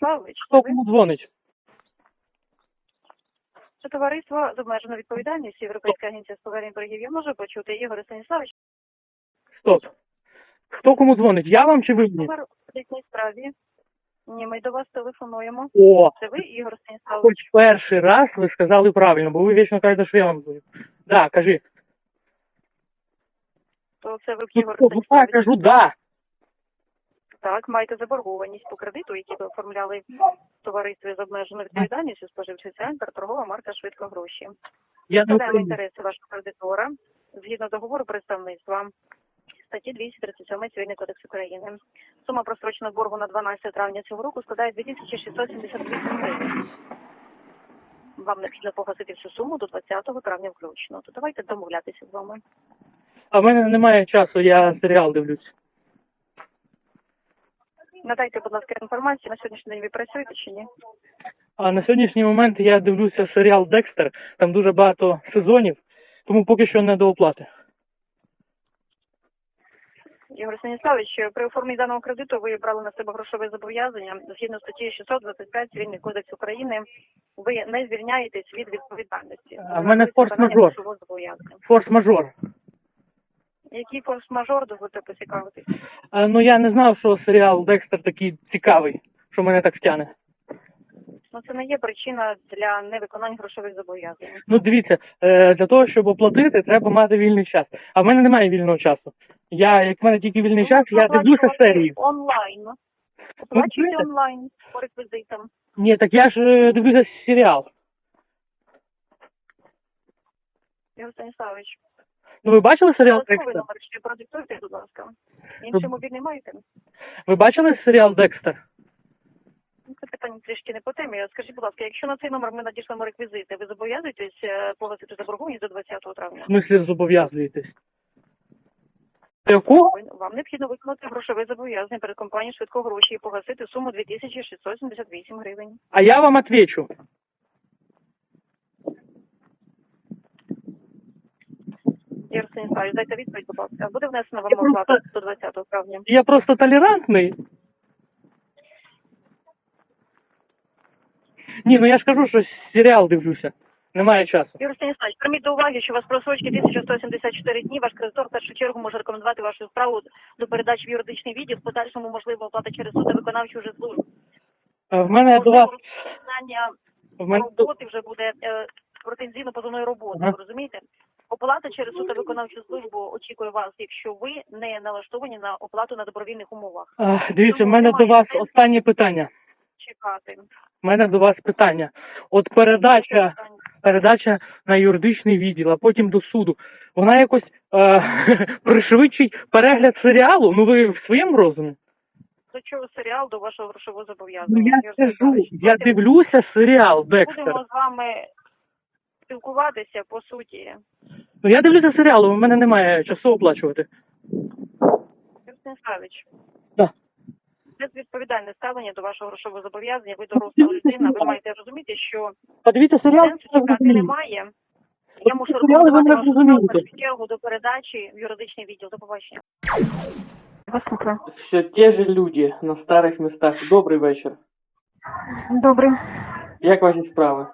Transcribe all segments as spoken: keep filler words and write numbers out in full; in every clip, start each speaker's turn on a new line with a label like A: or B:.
A: Станіславович, це
B: Хто
A: ви?
B: кому дзвонить?
A: Це товариство з обмеженою відповідальністю Європейська агенція з повернення боргів. Я можу почути, Ігор Станіславович,
B: Стоп. Хто кому дзвонить? Я вам чи ви мені?
A: номер в кредитній справі. Ні, ми до вас телефонуємо.
B: О,
A: Це ви, Ігор
B: хоч
A: Станіславович?
B: перший раз ви сказали правильно, бо ви вічно кажете, що я вам дзвоню. Да, кажи.
A: То це ви,
B: Ну,
A: Ігор
B: що, ну,
A: Станіславович?
B: так, кажу, да.
A: Так, маєте заборгованість по кредиту, який ви оформляли в товаристві з обмеженою відповідальністю, споживчий центр, торгова марка «Швидко гроші».
B: Я не
A: Представляємо
B: українець.
A: інтереси вашого кредитора згідно договору представництва статті двісті тридцять сім Цивільний кодекс України. Сума простроченого боргу на дванадцяте травня цього року складає дві тисячі шістсот сімдесят вісім гривень. Вам необхідно погасити всю суму до двадцятого травня включно. То давайте домовлятися з вами.
B: А в мене немає часу, я серіал дивлюсь.
A: Надайте, будь ласка, інформацію, на сьогоднішній день ви працюєте чи ні?
B: А на сьогоднішній момент я дивлюся серіал «Декстер», там дуже багато сезонів, тому поки що не до оплати.
A: Ігор Станіславович, при оформленні даного кредиту ви брали на себе грошове зобов'язання. Згідно статті шістсот двадцять п'ять Цивільний кодекс України, ви не звільняєтесь від відповідальності.
B: А в мене форс-мажор.
A: Грошового зобов'язання.
B: Форс-мажор.
A: Який форс-мажор, дозвольте поцікавитись?
B: А, ну я не знав, що серіал «Декстер» такий цікавий, що мене так втягне.
A: Ну, це не є причина для невиконання грошових зобов'язань.
B: Ну дивіться, е, для того, щоб оплатити, треба мати вільний час. А в мене немає вільного часу. Я, як в мене тільки вільний час, я дивлюся серії.
A: Онлайн. Оплачуйте
B: чуєте?
A: онлайн по реквізитам.
B: Ні, так я ж е, дивлюся серіал.
A: Ігор Станіславович,
B: Ну ви бачили серіал
A: додатковий
B: «Декстер»?
A: номер ще продиктуйте, будь ласка. Інший мобільний маєте?
B: Ви бачили серіал «Декстер»?
A: Ну, це питання трішки не по темі. Скажіть, будь ласка, якщо на цей номер ми надішлемо реквізити, ви зобов'язуєтесь е, погасити заборгованість до двадцятого травня?
B: В смислі зобов'язуєтесь? Якого?
A: Ви- Вам необхідно виконати грошове зобов'язання перед компанією «Швидко гроші» і погасити суму дві тисячі шістсот сімдесят вісім гривень.
B: А я вам отвечу.
A: Ігор Станіславович, дайте відповідь, будь ласка. Буде внесена вам
B: Я просто-
A: оплата до двадцятого травня?
B: Я просто толерантний. Ні, ну я ж кажу, що серіал дивлюся. Немає часу.
A: Ігор Станіславович, прийміть до уваги, що у вас просрочки тисяча сто сімдесят чотири дні. Ваш кредитор в першу чергу може рекомендувати вашу справу до передачі в юридичний відділ, в подальшому можливо оплата через суд та виконавчу вже службу.
B: А в мене до вас...
A: Розпочинання
B: В мене до...
A: роботи вже буде е, претензійно-позовної роботи,
B: Ага.
A: ви розумієте? Оплата через суд та виконавчу службу очікує вас, якщо ви не налаштовані на оплату на добровільних умовах.
B: А, дивіться, в мене до вас останнє питання.
A: Чекати.
B: У мене до вас питання. От передача, передача на юридичний відділ, а потім до суду. Вона якось е, пришвидшить перегляд серіалу? Ну ви в своєму розумі?
A: До чого серіал, до вашого грошового зобов'язання?
B: Ну я
A: Ігор
B: скажу,
A: Станіславович,
B: я
A: давайте
B: дивлюся серіал «Декстер».
A: Будемо з вами спілкуватися по суті.
B: Ну я дивлюся серіал, у мене немає часу оплачувати.
A: Ігор Станіславович,
B: Да.
A: безвідповідальне ставлення до вашого грошового зобов'язання, ви доросла людина, ви маєте розуміти, що
B: Подивіться серіал,
A: сенсу
B: це
A: чекати
B: зрозуміє.
A: немає. Я мушу
B: Серіали ви
A: рекомендувати
B: не
A: вашу
B: розумієте.
A: справу в першу чергу до передачі в юридичний відділ. До побачення. Вас слухаю.
B: Все те же люди на старих містах. Добрий вечір.
A: Добре.
B: Як ваші справи?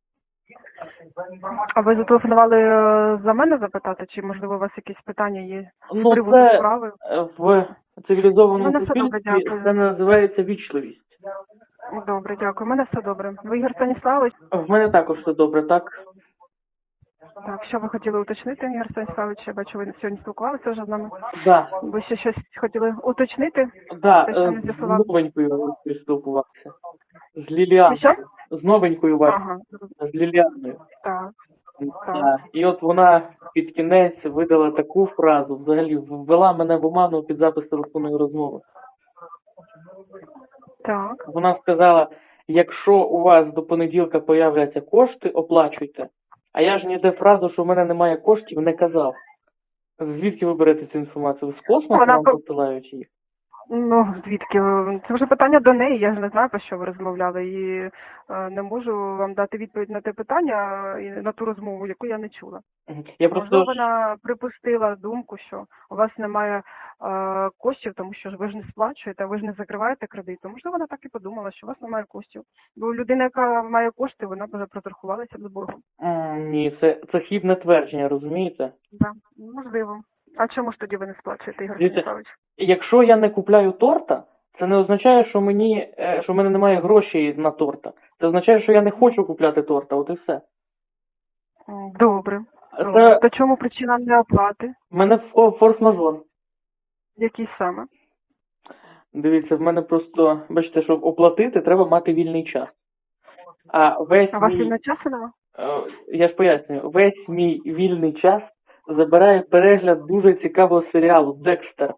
C: А ви зателефонували е, за мене запитати, чи можливо у вас якісь питання є з
B: Ну
C: приводу
B: це
C: справи?
B: е, в цивілізованому
C: Мене все добре,
B: суспільстві
C: дякую.
B: це називається вічливість.
C: Добре, дякую. У мене все добре. Ви Ігор Станіславович?
B: В мене також все добре, так?
C: Так, що ви хотіли уточнити, Ігор Станіславович? Я бачу, ви сьогодні спілкувалися вже з нами.
B: Да.
C: Ви ще щось хотіли уточнити?
B: Да,
C: Те, що
B: е,
C: ми
B: з
C: з'ясували.
B: новенькою спілкувався. З Ліліаною.
C: Що?
B: З новенькою вашою.
C: Ага,
B: З Ліліаною.
C: так.
B: Да. І от вона під кінець видала таку фразу, взагалі ввела мене в оману під запис телефонної розмови.
C: Так.
B: Вона сказала, якщо у вас до понеділка появляться кошти, оплачуйте. А я ж ніде фразу, що в мене немає коштів, не казав. Звідки ви берете цю інформацію? Ви з космосу
C: Вона
B: вам
C: по-
B: посилають їх?
C: Ну, звідки? Це вже питання до неї, я ж не знаю, про що ви розмовляли, і е, не можу вам дати відповідь на те питання і на ту розмову, яку я не чула.
B: Мгм. Я
C: Можливо,
B: просто
C: вона припустила думку, що у вас немає е, коштів, тому що ж ви ж не сплачуєте, ви ж не закриваєте кредит. То, можливо, вона так і подумала, що у вас немає коштів. Бо людина, яка має кошти, вона б вже проторгувалася з боргом.
B: М, ні, це, це хібне твердження, розумієте?
C: Да, можливо. А чому ж тоді ви не сплачуєте, Ігор
B: Дивіться,
C: Станіславович?
B: якщо я не купляю торта, це не означає, що мені е, що в мене немає грошей на торта. Це означає, що я не хочу купляти торта, от і все.
C: М, Добре.
B: Це
C: То чому причина неоплати?
B: в мене фо- форс-мажор.
C: Який саме?
B: Дивіться, в мене просто, бачите, щоб оплатити, треба мати вільний час. А весь
C: А у вас
B: мій,
C: вільного часу нема?
B: е, я ж пояснюю, весь мій вільний час забирає перегляд дуже цікавого серіалу «Декстер».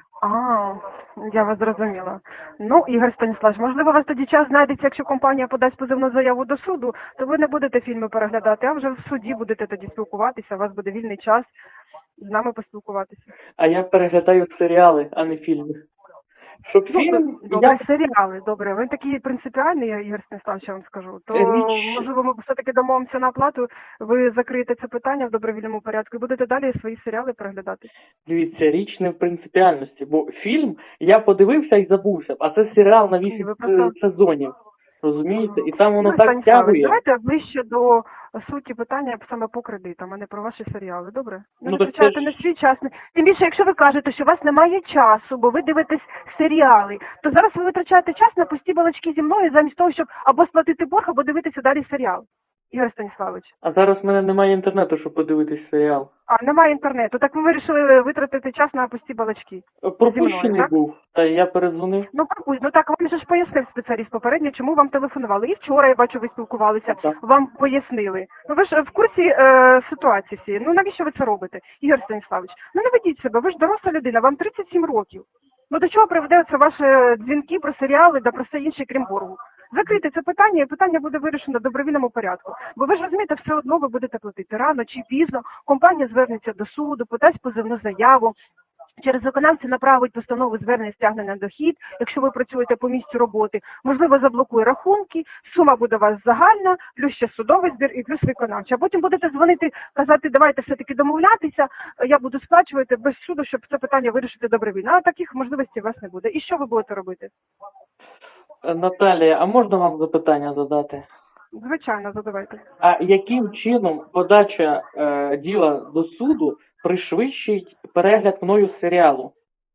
C: А, я вас зрозуміла. Ну, Ігор Станіславович, можливо, у вас тоді час знайдеться, якщо компанія подасть позовну заяву до суду, то ви не будете фільми переглядати, а вже в суді будете тоді спілкуватися, у вас буде вільний час з нами поспілкуватися.
B: А я переглядаю серіали, а не фільми. Щоб
C: Ну,
B: фільм,
C: добре,
B: я
C: серіали, добре. Ви такий принципіальний, Ігор Станіславович, я вам скажу. То,
B: Річ-
C: можливо, ми все-таки домовимося на оплату, ви закриєте це питання в добровільному порядку і будете далі свої серіали переглядати.
B: Дивіться, річ не в принципіальності, бо фільм я подивився і забувся, а це серіал на вісім
C: Ви просто-
B: сезонів. Розумієте? І там воно
C: Ігор
B: так
C: Станіславович,
B: тягує.
C: давайте ближче до суті питання саме по кредитам, а не про ваші серіали, добре? Не
B: Ну, так
C: витрачайте
B: це ж-
C: на свій час. Тим більше, якщо ви кажете, що у вас немає часу, бо ви дивитесь серіали, то зараз ви витрачаєте час на пусті балачки зі мною замість того, щоб або сплатити борг, або дивитися далі серіал. Ігор Станіславович.
B: А зараз в мене немає інтернету, щоб подивитись серіал.
C: А, немає інтернету. Так ви вирішили витратити час на пусті балачки.
B: Пропущений
C: Зі мною, так?
B: був, та я передзвонив.
C: Ну, пропустіть. Ну так, вам же ж пояснив спеціаліст попередньо, чому вам телефонували. І вчора, я бачу, ви спілкувалися,
B: Так.
C: вам пояснили. Ну ви ж в курсі е, ситуації всієї. Ну навіщо ви це робите, Ігор Станіславович? Ну не ведіть себе, ви ж доросла людина, вам тридцять сім років. Ну до чого приведе це ваші дзвінки про серіали та про все інше, крім боргу? Закрийте це питання, і питання буде вирішено в добровільному порядку. Бо ви ж розумієте, все одно ви будете платити рано чи пізно. Компанія звернеться до суду, подасть позовну заяву. Через виконавця направить постанову звернення стягнення на дохід, якщо ви працюєте по місцю роботи. Можливо, заблокує рахунки, сума буде у вас загальна, плюс ще судовий збір і плюс виконавча. А потім будете дзвонити, казати, давайте все-таки домовлятися, я буду сплачувати без суду, щоб це питання вирішити добровільно. А таких можливостей у вас не буде. І що ви будете робити?
B: Е, Наталія, а можна вам запитання задати?
C: Звичайно, задавайте.
B: А яким чином подача е, діла до суду пришвидшить перегляд мною серіалу?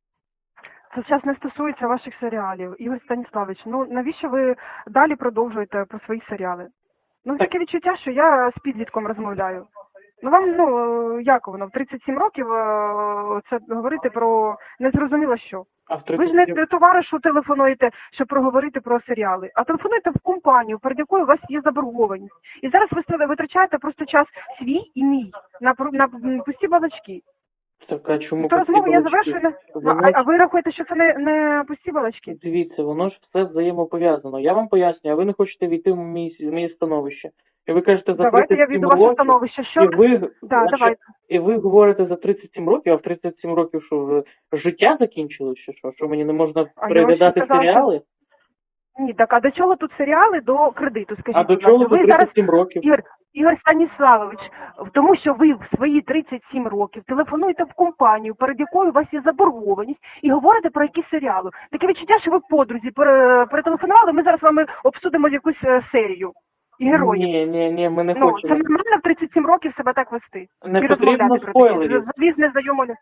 C: Це зараз не стосується ваших серіалів. Ігор Станіславович, ну навіщо ви далі продовжуєте про свої серіали? Ну,
B: Так.
C: таке відчуття, що я з підлітком розмовляю. Ну вам, ну, як воно, в тридцять сім років е, це говорити про незрозуміло що.
B: А в
C: Ви ж не
B: тридцять
C: товаришу телефонуєте, щоб проговорити про серіали, а телефонуєте в компанію, перед якою у вас є заборгованість. І зараз ви витрачаєте просто час свій і мій на, про- на пусті балачки.
B: Так, а чому
C: То розмову я
B: балачки?
C: завершую. на- Ну,
B: Воно
C: а,
B: ж-
C: а ви рахуєте, що це не, не пусті балачки?
B: Дивіться, воно ж все взаємопов'язано. Я вам пояснюю, а ви не хочете війти в мій, в моє становище. І ви кажете, за
C: Давайте я
B: тридцять сім
C: війду в ваше
B: років,
C: становище. Що?
B: і ви,
C: Да,
B: значить,
C: давайте.
B: і ви говорите за тридцять сім років, а в тридцять сім років що, вже життя закінчилось, чи що? Що мені не можна
C: А я
B: переглядати
C: вам ще сказала,
B: серіали?
C: Ні, так а до чого тут серіали до кредиту? Скажіть,
B: А до
C: будь ласка.
B: чого за
C: ви зараз
B: тридцять сім років?
C: Ігор, Ігор Станіславович, в тому, що ви в свої тридцять сім років телефонуєте в компанію, перед якою у вас є заборгованість, і говорите про якісь серіали. Таке відчуття, що ви подрузі пере- перетелефонували, ми зараз з вами обсудимо якусь е, серію і героїв.
B: Ні, ні, ні, ми не
C: ну, це
B: хочемо.
C: нормально в тридцять сім років себе так вести.
B: Не
C: і
B: потрібно
C: розмовляти про
B: спойлерів.
C: таке. Завіз незнайому.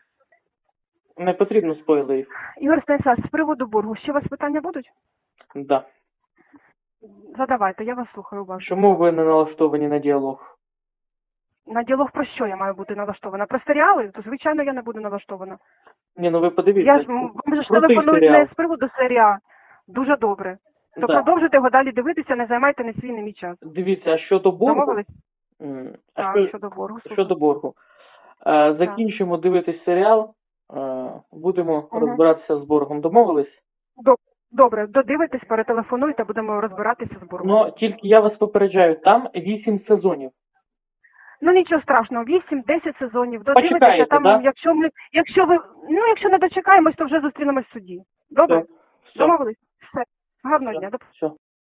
B: Не потрібно спойлерів.
C: Ігор Станіславович, з приводу боргу, ще у вас питання будуть?
B: Да.
C: Задавайте, я вас слухаю уважно.
B: Чому ви не налаштовані на діалог?
C: На діалог про що я маю бути налаштована? Про серіали? То, звичайно, я не буду налаштована.
B: Ні, ну ви подивіться.
C: Я ж м, вам же ж
B: Крутий
C: телефонують
B: серіал.
C: не з приводу серіалу. Дуже добре. То
B: Да.
C: продовжуйте його далі дивитися, не займайте не свій, не мій час.
B: Дивіться, а щодо боргу...
C: Домовились?
B: М, а
C: Так,
B: що-
C: щодо боргу. слухаю.
B: Щодо боргу. Е, закінчимо дивитись серіал, е, будемо
C: Мгм.
B: розбиратися з боргом. Домовились?
C: Доб- Добре, додивитесь, перетелефонуйте, будемо розбиратися з боргом.
B: Ну, тільки я вас попереджаю, там вісім сезонів.
C: Ну нічого страшного, вісім-десять сезонів. Додивитися
B: Почекаєте,
C: там,
B: да?
C: якщо ми, якщо ви, ну якщо не дочекаємось, то вже зустрінемось в суді. Добре?
B: Все. Все.
C: Домовились? Все. Гарного дня. До
B: Все.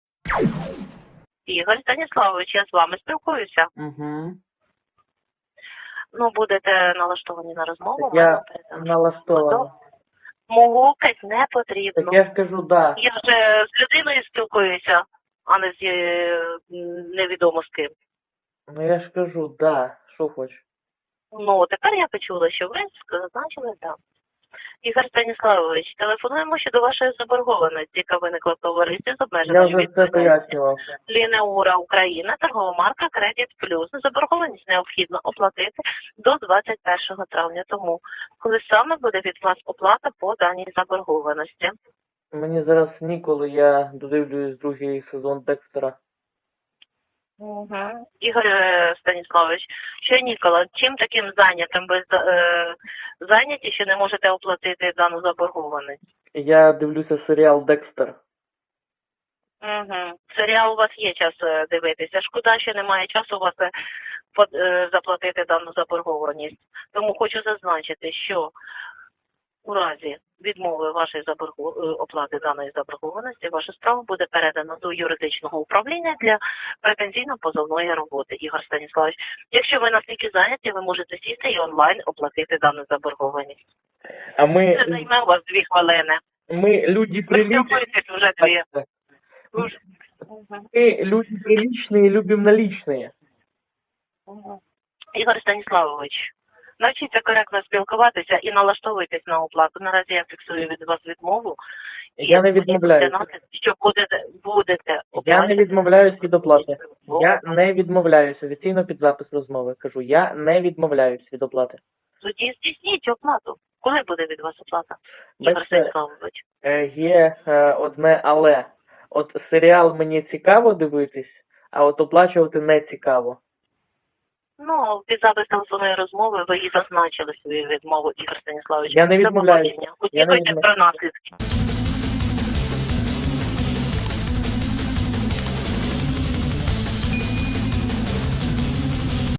D: Ігор Станіславович, я з вами спілкуюся.
B: Угу.
D: Ну, будете налаштовані на розмову.
B: Я
D: вам передам.
B: налаштований.
D: Мовукать не потрібно.
B: Так я ж кажу, да.
D: Я вже з людиною спілкуюся, а не з е, невідомо з ким.
B: Ну я ж кажу, да. Що хочеш?
D: Ну, тепер я почула, що ви зазначили так. Ігор Станіславович, телефонуємо щодо вашої заборгованості, яка виникла в товаристві з
B: Я
D: обмеженою
B: вже це
D: відповідальністю.
B: пояснював.
D: Лінеура Україна, торгова марка Кредит Плюс. Заборгованість необхідно оплатити до двадцять першого травня. Тому, коли саме буде від вас оплата по даній заборгованості?
B: Мені зараз ніколи, я додивлюсь другий сезон Декстера.
D: Угу. Ігор е, Станіславович, що Нікола, чим таким зайнятим ви е, зайняті, що не можете оплатити дану заборгованість?
B: Я дивлюся серіал Декстер.
D: Угу. Серіал у вас є час е, дивитися. Шкода, що немає часу у вас е, по- е, заплатити дану заборгованість. Тому хочу зазначити, що у разі відмови вашої заборгу... е, оплати даної заборгованості, ваша справа буде передана до юридичного управління для претензійно-позовної роботи. Ігор Станіславович, якщо ви настільки зайняті, ви можете сісти і онлайн оплатити дану заборгованість.
B: А
D: Це
B: ми,
D: займе у вас дві хвилини.
B: ми люди
D: Ви
B: приличні.
D: спілкуєтесь вже дві. Дуже.
B: Мы люди приличные, любим наличные.
D: Мгм. Ігор Станіславович, навчіться коректно спілкуватися і налаштовуйтесь на оплату. Наразі я фіксую від вас відмову. І
B: Я не
D: мені
B: відмовляюся.
D: буде наслід, що будете, будете
B: Я не
D: оплачувати.
B: відмовляюсь від оплати. Я не відмовляюсь. Офіційно під запис розмови. Кажу, я не відмовляюсь від оплати.
D: Тоді здійсніть оплату. Коли буде від вас оплата, Ігор
B: Бачите,
D: Станіславович?
B: е, є е, одне але. От серіал мені цікаво дивитись, а от оплачувати не цікаво.
D: Ну, під запис телефонної розмови ви і зазначили свою відмову, Ігор Станіславович.
B: Я не
D: До
B: відмовляюсь.
D: побачення.
B: Я не
D: Очікуйте
B: відмов-
D: про наслідки.